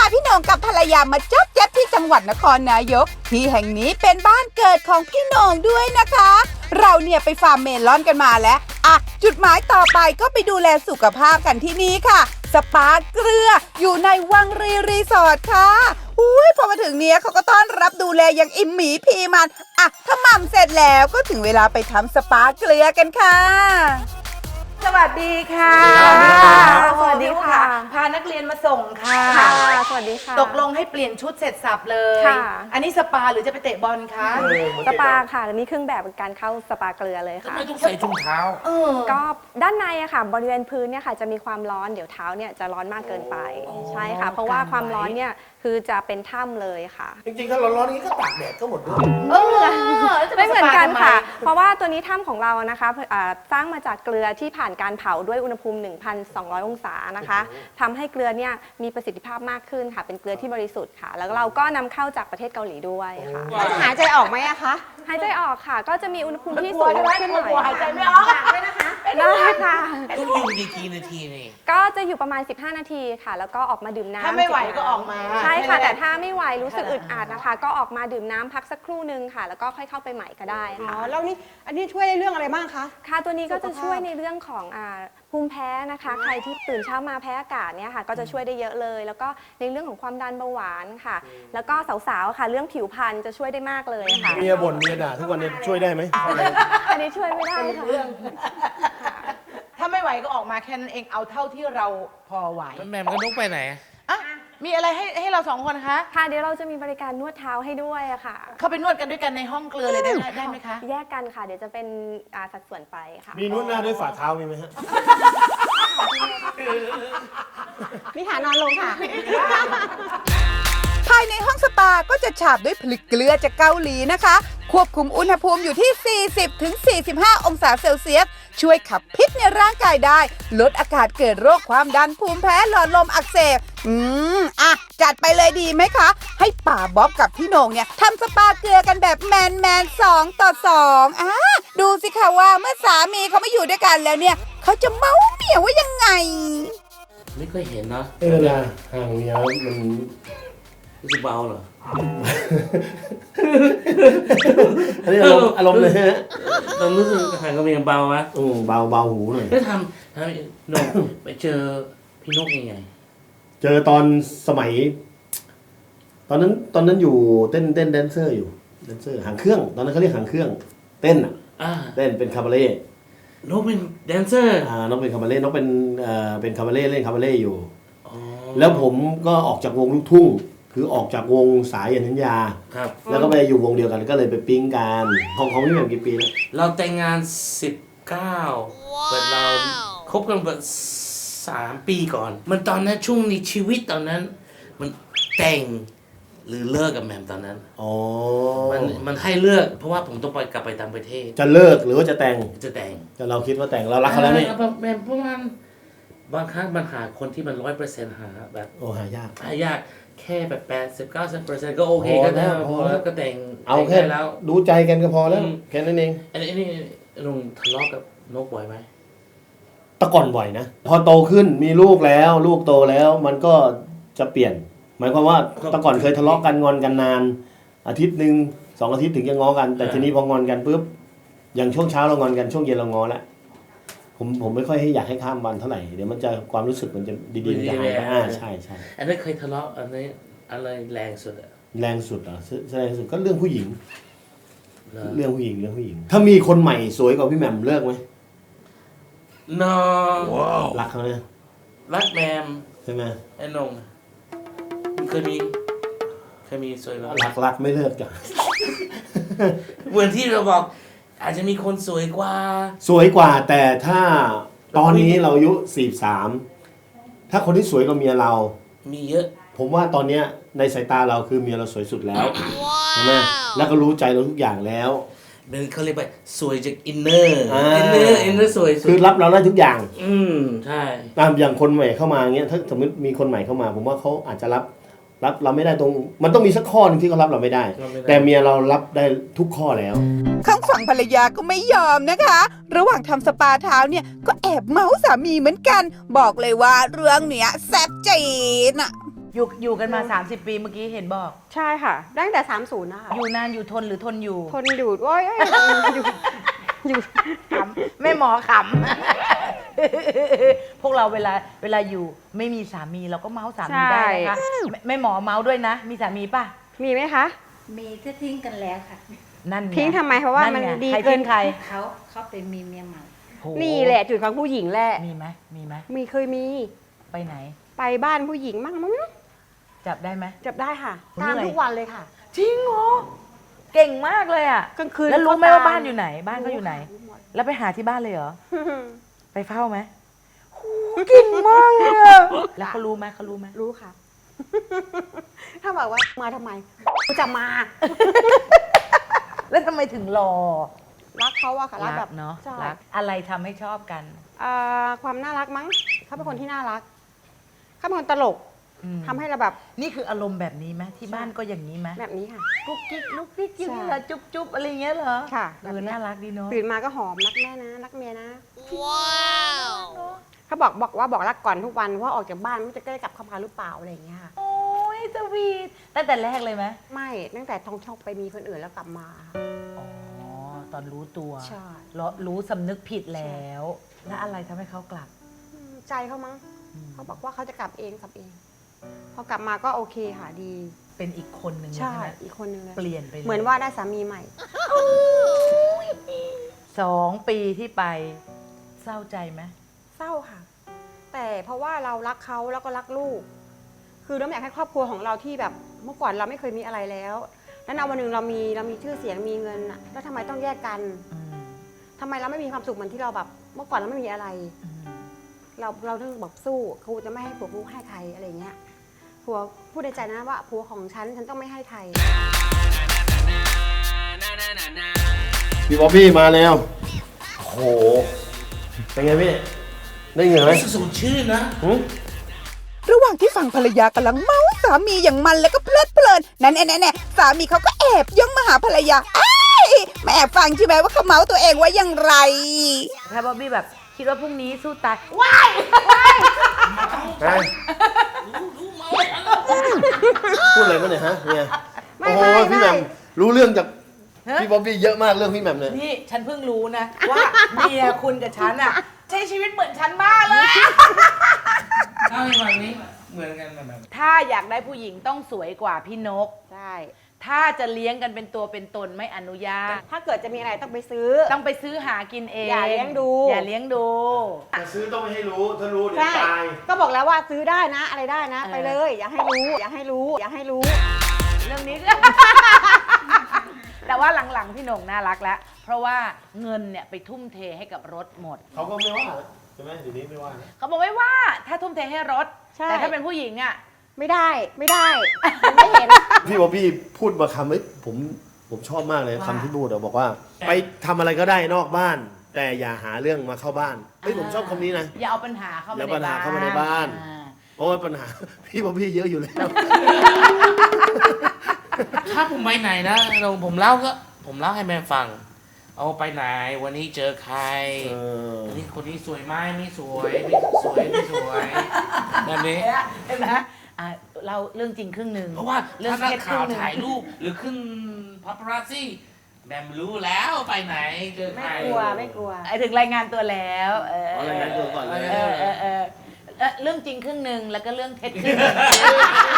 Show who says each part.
Speaker 1: พี่โหน่งกับภรรยามาจ๊อบแจ๊บที่จังหวัดนครนายกที่แห่งนี้เป็นบ้านเกิดของพี่โหน่งด้วยนะคะ เราเนี่ยไปฟาร์มเมลอนกันมาแล้วอ่ะจุดหมายต่อไปก็ไปดูแลสุขภาพกันที่นี่ค่ะสปาเกลืออยู่ในวังรีสอร์ทค่ะอุ้ยพอมาถึงเนี้ยเขาก็ต้อนรับดูแลอย่างอิ่มหมีพีมันอ่ะถ้าหม่ำเสร็จแล้วก็ถึงเวลาไปทำสปาเกลือกันค่ะสวัสดีค่ะ
Speaker 2: สวัสดีค่ะ
Speaker 3: พานักเรียนมาส่งค่ะ
Speaker 2: ค่ะสวัสดีค่ะ
Speaker 3: ตกลงให้เปลี่ยนชุดเสร็จสับเลย
Speaker 2: ค่ะ
Speaker 3: อันนี้สปาหรือจะไปเตะบอลคะ
Speaker 2: สปาค่ะนี่เครื่องแบบการเข้าสปาเกลือเลยค่ะ
Speaker 4: ไม่ต้องใส่ถุงเท้า
Speaker 2: ก็ด้านในอะค่ะบริเวณพื้นเนี่ยค่ะจะมีความร้อนเดี๋ยวเท้าเนี่ยจะร้อนมากเกินไปใช่ค่ะ เพราะว่าความร้อนเนี่ยคือจะเป็นถ้ำเลยค่ะ
Speaker 4: จริงๆถ้าร้อนๆอย่างนี้ก็ตากแดดก็หมดด้วย
Speaker 2: ไม่เหมือนกันค่ะ เพราะว่าตัวนี้ถ้ำของเรานะคะสร้างมาจากเกลือที่ผ่านการเผาด้วยอุณหภูมิ 1,200 องศานะคะทำให้เกลือเนี่ยมีประสิทธิภาพมากขึ้นค่ะ เป็นเกลือที่บริสุทธิ์ค่ะ แล้วเราก็นำเข้าจากประเทศเกาหลีด้วยค่ะ
Speaker 5: จะหายใจออกไหมอะคะ
Speaker 2: หายใจออกค่ะ ก็จะมีอุณหภูมิที่สูงขึ้นหน่อย
Speaker 3: หายใจไม่ออก
Speaker 2: ได้ค่ะ
Speaker 4: ต้องอยู่กี่นาทีนี่
Speaker 2: ก็จะอยู่ประมาณ 15 นาทีค่ะ แล้วก็ออกมาดื่มน้ำ
Speaker 3: ถ้าไม่ไหวก็ออกมา
Speaker 2: ใช่ค่ะ แต่ถ้าไม่ไหวรู้สึกอึดอัดนะคะ ก็ออกมาดื่มน้ำพักสักครู่นึงค่ะ แล้วก็ค่อยเข้าไปใหม่ก็ได้
Speaker 5: อ๋อ
Speaker 2: ค่ะ
Speaker 5: แล้วนี่อันนี้ช่วยในเรื่องอะไรบ้างคะ
Speaker 2: ค่ะตัวนี้ก็จะช่วยในเรื่องของภูมิแพ้นะคะ ใครที่ตื่นเช้ามาแพ้อากาศเนี่ยค่ะ ก็จะช่วยได้เยอะเลย แล้วก็ในเรื่องของความดันเบาหวานค่ะ แล้วก็สาวๆค่ะ เรื่องผิวพรรณจะช่วยได้มากเลยค่ะ
Speaker 6: เมียบ่นเมียด่าทุกวันนี้ช่วยได้ไหม
Speaker 2: อันนี้ช่วยไม่ได้ค่ะ
Speaker 3: ถ้าไม่ไหวก็ออกมาแค่นั้นเองเอาเท่าที่เราพอไหว
Speaker 4: แม่มกับนุ๊กไปไหน
Speaker 3: อ่ะมีอะไรให้เราสองคนคะ
Speaker 2: ค่ะเดี๋ยวเราจะมีบริการนวดเท้าให้ด้วยอะค่ะ
Speaker 3: เข้าไปนวดกันด้วยกันในห้องเกลือเลยได้ไหมคะ
Speaker 2: แยกกันค่ะ เดี๋ยวจะเป็นสัดส่วนไปค่ะ
Speaker 6: มีนวดหน้าด้วยฝ่าเท้ามีไหมฮะ
Speaker 5: มีฐานนอนลงค่ะ
Speaker 1: ภายในห้องสปาก็จะฉาบด้วยผลึกเกลือจากเกาหลีนะคะ ควบคุมอุณหภูมิอยู่ที่ 40-45 องศาเซลเซียส ช่วยขับพิษในร่างกายได้ ลดอากาศเกิดโรคความดันภูมิแพ้หลอดลมอักเสบอ่ะ จัดไปเลยดีไหมคะ ให้ป่าบ๊อบกับพี่โหน่งเนี่ยทำสปาเกลือกันแบบแมน2 ต่อ 2ดูสิคะว่าเมื่อสามีเขามาอยู่ด้วยกันแล้วเนี่ยเขาจะเมาเมียว่ายังไง
Speaker 4: ไม่เคยเห็นนะ
Speaker 6: เวลาห่างเมียมัน
Speaker 4: รู้สึกเบาเหรอ
Speaker 6: อันนี้อารมณ์เลยฮะ
Speaker 4: เรารู้สึกห่างกับเมียเบาไหม
Speaker 6: เบาหูหน่อย
Speaker 4: ไม่ทำนกไปเจอพี่นกยังไง
Speaker 6: เจอตอนสมัย ตอนนั้นอยู่เต้นแดนเซอร์อยู่แดนเซอร์หางเครื่อง ตอนนั้นเขาเรียกหางเครื่อง เต้นอ่ะ เต้นเป็นคาบาเล่
Speaker 4: นกเป็นแดนเซอร์
Speaker 6: น้องเป็นคาบาเล่น้องเป็นคาบาเล่เล่นคาบาเล่อยู่แล้วผมก็ออกจากวงลูกทุ่ง คือออกจากวงสายยันทัญญา
Speaker 4: ครับ
Speaker 6: แล้วก็ไปอยู่วงเดียวกันก็เลยไปปิ๊งกันของพี่แหม่มกี่ปีแล้ว
Speaker 4: เราแต่งงาน 19แต่เราคบกันแบบ3 ปีก่อน มันตอนนั้นช่วงในชีวิตตอนนั้น มันแต่งหรือเลิกกับแหม่มตอนนั้น
Speaker 6: อ๋อ
Speaker 4: มันให้เลือกเพราะว่าผมต้องกลับไปต่างประเทศ
Speaker 6: จะเลิกหรือว่าจะแต่ง
Speaker 4: จะแต่ง
Speaker 6: แต่เราคิดว่าแต่งเรารักเขาแล้วนี่
Speaker 4: แหม่มประมาณบางครั้งมันหาคนที่มัน100%หาแบบ
Speaker 6: โอ้หายาก
Speaker 4: ยากแค่แบบ80-90%ก็โอเคก็ได้
Speaker 6: พอ
Speaker 4: พอ
Speaker 6: แล้
Speaker 4: แล้ว วก็แต่ง
Speaker 6: เอาแค่
Speaker 4: ได้แล้ว
Speaker 6: ดูใจกันก็พอแล้ว
Speaker 4: อืม
Speaker 6: แค่นั้นเอง
Speaker 4: อันนี้ลุงทะเลาะกับนกบ่อยไหม
Speaker 6: แต่ก่อนบ่อยนะ พอโตขึ้นมีลูกแล้วลูกโตแล้วมันก็จะเปลี่ยน หมายความว่าแต่ก่อนเคยทะเลาะกันงอนกันนาน อาทิตย์หนึ่ง2 อาทิตย์ถึงจะง้อกัน แต่ทีนี้พองอนกันปุ๊บอย่างช่วงเช้าเรางอนกันช่วงเย็นเราง้อแล้วผมไม่ค่อยอยากให้ข้ามวันเท่าไหร่เดี๋ยวมันจะความรู้สึกมันจะดีๆมันจะหายไปใช่
Speaker 4: อันนั้นเคยทะเลาะอันนี้อะไรแรงสุดอะ
Speaker 6: แรงสุดเหรอแรงสุดก็เรื่องผู้หญิง
Speaker 4: เหรอ
Speaker 6: เรื่องผู้หญิงถ้ามีคนใหม่สวยกว่าพี่แหม่มเลิกไหม
Speaker 4: น้อง
Speaker 6: รักเขาเนี่ย
Speaker 4: รักแมม
Speaker 6: ใช่ไหม
Speaker 4: ไอ้นงเคยมีสวยไหม
Speaker 6: รักไม่เลิกจ้ะ
Speaker 4: เหมือนที่เราบอกอาจจะมีคนสวยกว่า
Speaker 6: สวยกว่าแต่ถ้าตอนนี้เราอายุ43ถ้าคนที่สวยกว่าเมียเรา
Speaker 4: มีเยอะ
Speaker 6: ผมว่าตอนเนี้ยในสายตาเราคือเมียเราสวยสุดแล้วใช่ไหมแล้วก็รู้ใจเราทุกอย่างแล้ว
Speaker 4: เป็นเขาเรียกว่าสวยจากอินเนอร์
Speaker 6: อ่า
Speaker 4: อินเนอร์สวยสุด
Speaker 6: คือรับเราได้ทุกอย่าง
Speaker 4: ใช่
Speaker 6: ตามอย่างคนใหม่เข้ามาเงี้ยถ้าสมมติมีคนใหม่เข้ามา ผมว่าเขาอาจจะรับเราไม่ได้ตรงมันต้องมีสักข้อหนึงที่เขารับเราไม่ได้ แต่เมียเรารับได้ทุกข้อแล้ว
Speaker 1: ข้างฝั่งภรรยาก็ไม่ยอมนะคะ ระหว่างทำสปาเท้าเนี่ยก็แอบเมาส์สามีเหมือนกัน บอกเลยว่าเรื่องเนี้ยแซ่บจีดน่ะ
Speaker 3: อยู่กันมา 30 ปีเมื่อกี้เห็นบอก
Speaker 5: ใช่ค่ะ ตั้งแต่ 30 นะคะ
Speaker 3: อยู่นานอยู่ทนหรือทนอยู่
Speaker 5: ทนอยู่โอ้ยอยู่
Speaker 3: ขำแม่หมอขำ พวกเราเวลาอยู่ไม่มีสามีเราก็เมาส์สามีได้นะคะแม่หมอเมาส์ด้วยนะ มีสามีป่ะ
Speaker 5: มีไหมคะ
Speaker 7: มีก็ทิ้งกันแล้วค่ะ
Speaker 3: นั่นไ
Speaker 5: ทิ้งทำไมเพราะว่ามัน
Speaker 3: ไง
Speaker 5: ดี
Speaker 3: ใคร
Speaker 5: เกิ
Speaker 3: ทิ้
Speaker 5: น
Speaker 3: งใคร
Speaker 7: เขาไปมีเมียใหม่
Speaker 3: โห
Speaker 5: นี่แหละจุดของผู้หญิงแหละ
Speaker 3: มีไหมมีไหม
Speaker 5: เคยมี
Speaker 3: ไปไหน
Speaker 5: ไปบ้านผู้หญิงมั่งมั้ง
Speaker 3: จับได้ไหม
Speaker 5: จับได้ค่ะ
Speaker 3: โอ้ย
Speaker 5: ตาม
Speaker 3: เหนื่อย
Speaker 5: ทุกวันเลยค่ะ
Speaker 3: จริงเหรอเก่งมากเลยอ่ะ
Speaker 5: กลางคืน
Speaker 3: แล้วรู้ไหมว่า
Speaker 5: ก็ต
Speaker 3: บ้านอยู่ไหน บ้านเขาอยู่ไหน
Speaker 5: รู้หมด
Speaker 3: แล้วไปหาที่บ้านเลยเหรอ ไปเฝ้าไหมโหเก่งมากเลยอะแล้วเขารู้ไหมเขารู้ไหม
Speaker 5: รู้ค่ะ ถ้าบอกว่ามาทำไมกูจะมา
Speaker 3: แล้วทำไมถึงรอ
Speaker 5: รักเขาอะค่ะรักแบบ
Speaker 3: เนาะ
Speaker 5: ใช่
Speaker 3: รักอะไรทำให้ชอบกัน
Speaker 5: ความน่ารักมั้งเขาเป็นคนที่น่ารักเขาเป็นคนตลก
Speaker 3: อืม
Speaker 5: ทำให้เราแบบ
Speaker 3: นี่คืออารมณ์แบบนี้ไหมที่บ้านก็อย่างนี้ไหม
Speaker 5: แบบนี้ค่ะ
Speaker 3: กุ๊กกิ๊กลุกกิ๊กยิ้ม
Speaker 5: ใช่
Speaker 3: เหรอจุ๊บจุ๊บอะไรเงี้ยเหรอ
Speaker 5: ค่ะ
Speaker 3: น่ารักดีเนาะ
Speaker 5: ตื่นมาก็หอมรักแม่นะรักเมียนะเขาบอกรักก่อนทุกวันว่าออกจากบ้านไม่จะได้กลับเข้ามาหรือเปล่าอะไรอย่างเงี้ยค่ะ
Speaker 3: โอ้ยสวีทตั้งแต่แรกเลยไหม
Speaker 5: ไม่ตั้งแต่ท้องช่องไปมีคนอื่นแล้วกลับมาค่ะ
Speaker 3: อ๋อตอนรู้ตัว
Speaker 5: ใช่
Speaker 3: รู้สำนึกผิดแล้ว แล้วอะไรทำให้เขากลับ
Speaker 5: ใจเขามั้งเขาบอกว่าเขาจะกลับเองพอกลับมาก็โอเคค่ะดี
Speaker 3: เป็นอีกคนหนึ่ง
Speaker 5: ใช่
Speaker 3: ไหม
Speaker 5: อีกคนนึงเลย
Speaker 3: เปลี่ยนไปลย
Speaker 5: เหมือนว่าได้สามีใหม่
Speaker 3: 2 ปีที่ไปเศร้าใจไหม
Speaker 5: เศร้าค่ะ แต่เพราะว่าเรารักเขาแล้วก็รักลูก คือเราไม่อยากให้ครอบครัวของเราที่แบบเมื่อก่อนเราไม่เคยมีอะไรแล้วแล้วในวันหนึ่งเรามีชื่อเสียงมีเงินอะแล้วทำไมต้องแยกกัน
Speaker 3: อืม
Speaker 5: ทำไมเราไม่มีความสุขเหมือนที่เราแบบ เมื่อก่อนเราไม่มีอะไร
Speaker 3: อืม
Speaker 5: เราต้องแบบสู้ครูจะไม่ให้ผัวกูให้ใครอะไรอย่างเงี้ยผัวพูดในใจนะว่าผัวของฉันต้องไม่ให้ใคร
Speaker 6: พี่บ๊อบบี้มาแล้วโอ้โหเป็นไงพี่ได้เงินไหม
Speaker 4: สูตรชื่อนะ
Speaker 6: หึ
Speaker 1: ระหว่างที่ฝั่งภรรยากำลังเมาสามีอย่างมันแล้วก็เพลิดเพลินนั่นแน่ๆสามีเขาก็แอบย่องมาหาภรรยาไอ้ายมาแอบฟังใช่ไหมว่าเขาเมาตัวเองว่าอย่างไร
Speaker 3: ถ้าบ๊อบบี้แบบคิดว่าพรุ่งนี้สู้ตาย
Speaker 6: ฮะ พูดอะไรมาเนี่ยฮะเนี่ย
Speaker 5: ไม่
Speaker 6: โอ้โห
Speaker 5: ไม่
Speaker 6: พี่แหม่ม
Speaker 5: ไม่
Speaker 6: รู้เรื่องจากพี่บ๊อบบี้เยอะมากเรื่องพี่แหม่มเนี่ย
Speaker 3: นี่ฉันเพิ่งรู้นะ ว่าเมียคุณกับฉันอะใช้ชีวิตเหมือนฉันมากเลย
Speaker 4: เอาอีกวันนี้เหมือนกันแบบ
Speaker 3: ถ้าอยากได้ผู้หญิงต้องสวยกว่าพี่นก
Speaker 5: ใช่
Speaker 3: ถ้าจะเลี้ยงกันเป็นตัวเป็นตนไม่อนุญาต
Speaker 5: ถ้าเกิดจะมีอะไรต้องไปซื้อ
Speaker 3: ต้องไปซื้อหากินเอง
Speaker 5: อย่าเลี้ยงดู
Speaker 3: อย่าเลี้ยงดู
Speaker 6: จะซื้อต้องไม่ให้รู้ ถ้ารู้เดี๋ยว
Speaker 5: ใช่
Speaker 6: ตาย
Speaker 5: ก็บอกแล้วว่าซื้อได้นะอะไรได้นะ
Speaker 3: เออ
Speaker 5: ไปเลย อย่าให้รู้ อย่าให้รู้ อย่าให้รู้
Speaker 3: เรื่องนี้ แต่ว่าหลังๆพี่หน่งน่ารักแล้ว เพราะว่าเงินเนี่ยไปทุ่มเทให้กับรถหมด
Speaker 6: เขาก็ไม่ว่าใช่ไหมเดี๋ยวนี้ไม่ว่านะ
Speaker 3: เขาบอกไม่ว่าถ้าทุ่มเทให้รถ
Speaker 5: ใช่
Speaker 3: แต่ถ้าเป็นผู้หญิงอ่ะ
Speaker 5: ไม่ได้มันไม่เห็น
Speaker 6: พี่บ๊อบบี้พูดมาคำเอ้ยผมชอบมากเลย
Speaker 3: ว่า
Speaker 6: คำที่พูดอะบอกว่า ไปทำอะไรก็ได้นอกบ้าน แต่อย่าหาเรื่องมาเข้าบ้านเฮ้ยผมชอบคำนี้นะ
Speaker 3: อย่าเอาปัญหาเข้ามา
Speaker 6: อย่า
Speaker 3: ใน
Speaker 6: ปัญหา
Speaker 3: บ้าน
Speaker 6: เข้ามาในบ้าน
Speaker 3: อ่
Speaker 6: เพราะว่าปัญหา พี่บ๊อบบี้เยอะอยู่แล้ว
Speaker 4: ถ้าผมไปไหนนะผมเล่าให้แม่ฟัง เอาไปไหนวันนี้เจอใคร
Speaker 6: เออ
Speaker 4: วันนี้คนนี้สวยไหมไม่สวยไม่สวยไม่สวยแบบนี้
Speaker 3: เห็นไหมอ่ะเราเรื่องจริงครึ่งหนึ่ง
Speaker 4: เพราะว่า
Speaker 3: เรื่อง
Speaker 4: ถ้านั
Speaker 3: เท็
Speaker 4: ก
Speaker 3: จค
Speaker 4: ข่า
Speaker 3: รึ่
Speaker 4: ว
Speaker 3: งหนึ่ง
Speaker 4: ถ่ายรูปหรือขึ้นพาปารัสซี่แบมรู้แล้วไปไหนเจอใค
Speaker 5: ไม่
Speaker 4: ร
Speaker 5: กลัวไม่กลัว
Speaker 3: ไอ้ถึงรายงานตัวแล้ว
Speaker 6: อ๋อรายงานตัวก่อนเลย
Speaker 3: เรื่องจริงครึ่งหนึ่งแล้วก็เรื่องเท็จครึ่งหนึ่ง